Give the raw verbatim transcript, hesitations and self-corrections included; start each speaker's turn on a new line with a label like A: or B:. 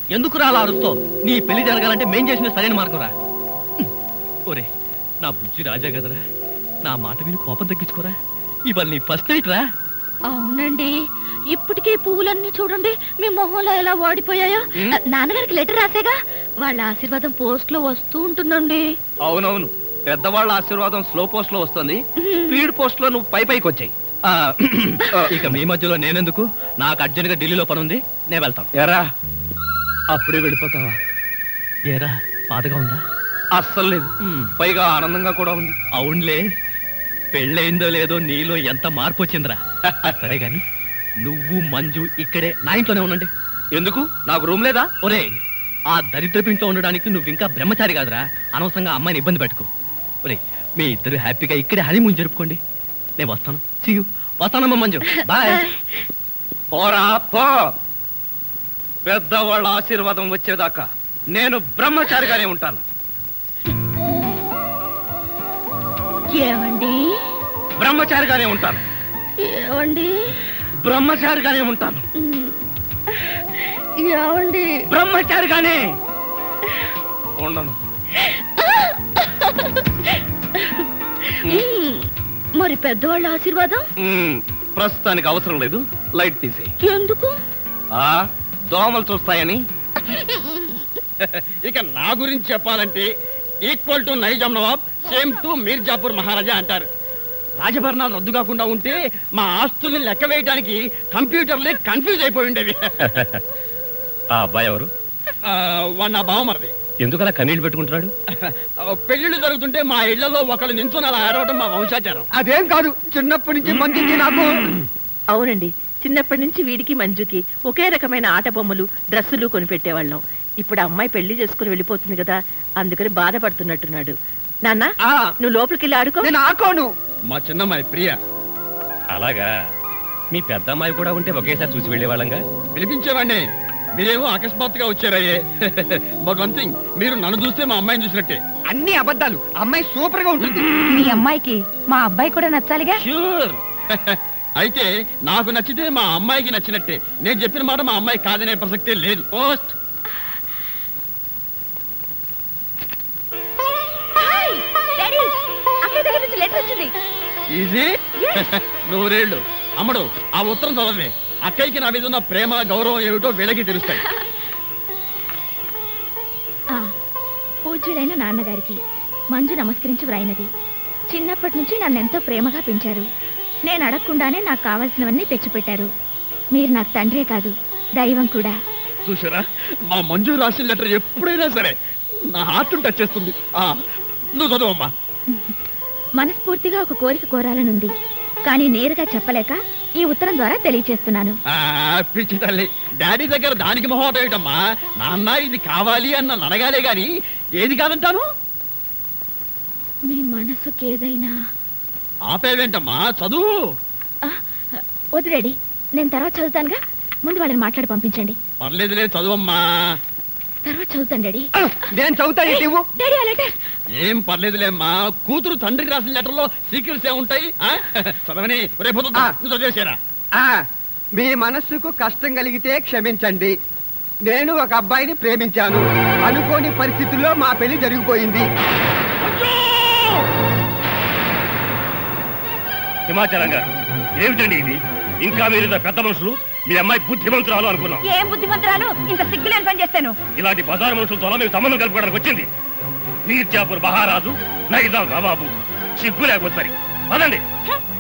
A: ఎందుకు రా అలా అరుస్తో? నీ పెళ్లి జరగాలంటే మేం చేసిన సరైన మార్గం రా. ఒరే నా బుజ్జి రాజా కదరా, నా మాట విని కోపం తగ్గించుకోరా. ఇవాళ నీ ఫస్ట్ నైట్ రా.
B: అవునండి, ఇప్పటికే పువ్వులన్నీ చూడండి మీ మొహంలో ఎలా వాడిపోయాయో. నాన్నగారికి లెటర్ రాసేగా, వాళ్ళ ఆశీర్వాదం పోస్ట్ లో వస్తూ ఉంటుందండి.
A: అవునవును, పెద్దవాళ్ళ ఆశీర్వాదం స్లో పోస్ట్ లో వస్తుంది, స్పీడ్ పోస్ట్ లో నువ్వు పై పైకి వచ్చాయి. ఇక మీ మధ్యలో నేనెందుకు? నాకు అర్జెంట్ గా ఢిల్లీలో పని ఉంది, నేను వెళ్తాను. ఎరా అప్పుడే వెళ్ళిపోతావా? ఏరా బాధగా ఉందా? అస్సలు లేదు, పైగా ఆనందంగా కూడా ఉంది. అవునులే, పెళ్ళయిందో లేదో నీలో ఎంత మార్పు వచ్చిందిరా. సరే గాని నువ్వు మంజు ఇక్కడే నా ఇంట్లోనే ఉండండి. ఎందుకు? నాకు రూమ్ లేదా? ఒరే ఆ దరిద్రపు ఇంట్లో ఉండడానికి నువ్వు ఇంకా బ్రహ్మచారి కాదురా, అనవసరంగా అమ్మాయిని ఇబ్బంది పెట్టుకో. ఒరే మీ ఇద్దరు హ్యాపీగా ఇక్కడే హనీమూన్ జరుపుకోండి. నేను వస్తాను. See you. వస్తానమ్మా మంజు, బాయ్. పోరా పో. పెద్దవాళ్ళ ఆశీర్వాదం వచ్చేదాకా నేను బ్రహ్మచారిగానే ఉంటాను.
B: ఏమండి?
A: బ్రహ్మచారిగానే ఉంటాను.
B: ఏమండి?
A: బ్రహ్మచారిగానే ఉంటాను.
B: ఏమండి?
A: బ్రహ్మచారిగానే ఉండను.
B: మరి పెద్దవాళ్ళ ఆశీర్వాదం
A: ప్రస్తుతానికి అవసరం లేదు, లైట్ తీసేయి.
B: ఎందుకు?
A: ఆ దోమలు చూస్తాయని.
C: ఇక నా గురించి చెప్పాలంటే equal to Nizam Nawab, same to Mirzapur Maharaja అంటారు. రాజభరణాలు రద్దు కాకుండా ఉంటే మా ఆస్తుల్ని లెక్క వేయడానికి కంప్యూటర్లే కన్ఫ్యూజ్ అయిపోయి ఉండేవి.
A: ఆ అబ్బాయి ఎవరు?
C: వాడు నా బావమరిది.
A: ఎందుకలా కన్నీళ్లు పెట్టుకుంటున్నాడు?
C: పెళ్లిళ్ళు జరుగుతుంటే మా ఇళ్లలో ఒకళ్ళు నించుని అలా ఆడవడం మా వంశాచారం.
D: అదేం కాదు, చిన్నప్పటి నుంచి మంచిది నాకు.
E: అవునండి, చిన్నప్పటి నుంచి వీడికి మంజుకి ఒకే రకమైన ఆట బొమ్మలు డ్రెస్సులు కొనిపెట్టేవాళ్ళం. ఇప్పుడు అమ్మాయి పెళ్లి చేసుకుని వెళ్ళిపోతుంది కదా, అందుకని బాధపడుతున్నట్టున్నాడు. నాన్న నువ్వు లోపలికి వెళ్ళి ఆడుకో.
D: నేను ఆడుకోను.
C: మా చిన్నమ్మాయి ప్రియ.
A: అలాగా, మీ పెద్ద అమ్మాయి కూడా ఉంటే ఒకేసారి చూసి వెళ్ళేవాళ్ళంగా.
C: పిలిపించేవాడిని, మీరేమో అకస్మాత్తుగా వచ్చారయ్యే. బట్ వన్ థింగ్, మీరు నన్ను చూస్తే మా అమ్మాయిని చూసినట్టే.
D: అన్ని అబద్ధాలు. అమ్మాయి సూపర్ గా ఉంటుంది.
B: మీ అమ్మాయికి మా అబ్బాయి కూడా నచ్చాలిగా.
C: ష్యూర్. అయితే నాకు నచ్చితే మా అమ్మాయికి నచ్చినట్టే. నేను చెప్పిన మాట మా అమ్మాయి కాదనే ప్రసక్తే లేదు. పోస్ట్. ఈజీ. నూరేళ్ళు. అమ్మడు ఆ ఉత్తరం చదవే. అక్కయ్యకి నా మీద ఉన్న ప్రేమ గౌరవం ఏమిటో వీళ్ళకి తెలుస్తాయి.
B: పూజ్యులైన నాన్నగారికి మంజు నమస్కరించి వ్రాయినది. చిన్నప్పటి నుంచి నన్నెంతో ప్రేమగా పెంచారు. నేను అడగకుండానే నాకు కావాల్సినవన్నీ తెచ్చిపెట్టారు. మీరు నాకు తండ్రే కాదు, దైవం కూడా.
C: చూసారా, మా మంజు రాసిన లెటర్ ఎప్పుడైనా సరే నా హార్ట్ టచ్ చేస్తుంది. నువ్వు చదువమ్మా.
B: మనస్ఫూర్తిగా ఒక కోరిక కోరాలనుంది, కానీ నేరుగా చెప్పలేక ఈ ఉత్తరం ద్వారా తెలియచేస్తున్నాను.
C: పిచ్చి తల్లి, డాడీ దగ్గర దానికి మొహమాట ఏమిటమ్మా? నాన్న ఇది కావాలి అన్న అడగాలే గాని ఏది కాదంటాను.
B: మీ మనసుకి ఏదైనా.
C: ఆపేవేంటమ్మా, చదువు.
B: వదిలేడి, నేను తర్వాత చదువుతానుగా, ముందు వాళ్ళని మాట్లాడి పంపించండి.
C: పర్లేదులే, చదువమ్మా.
B: తర్వాత చదువుతాను డాడీ.
D: నేను చదువుతాను.
B: డాడీ ఆ లెటర్.
C: ఏం పర్లేదులేమ్మా, కూతురు తండ్రికి రాసిన లెటర్ లో సీక్రెట్స్ ఏముంటాయి? చదవని రేపు చదివేసారా?
D: మీ మనస్సుకు కష్టం కలిగితే క్షమించండి. నేను ఒక అబ్బాయిని ప్రేమించాను. అనుకోని పరిస్థితుల్లో మా పెళ్లి జరిగిపోయింది.
A: హిమాచలం గారు, ఏమిటండి ఇది? ఇంకా మీరు పెద్ద మనుషులు, మీ అమ్మాయి బుద్ధిమంతురాలు అనుకున్నాం.
B: ఏం బుద్ధిమంతురాలు? ఇంత సిగ్గులేని పని చేస్తాను.
A: ఇలాంటి బజారు మనుషులతో మేము సంబంధం కలుపుకోవడానికి వచ్చింది. మీర్జాపూర్ మహారాజు, నైజాం నవాబు. సిగ్గు లేకపోతే సరి పదండి.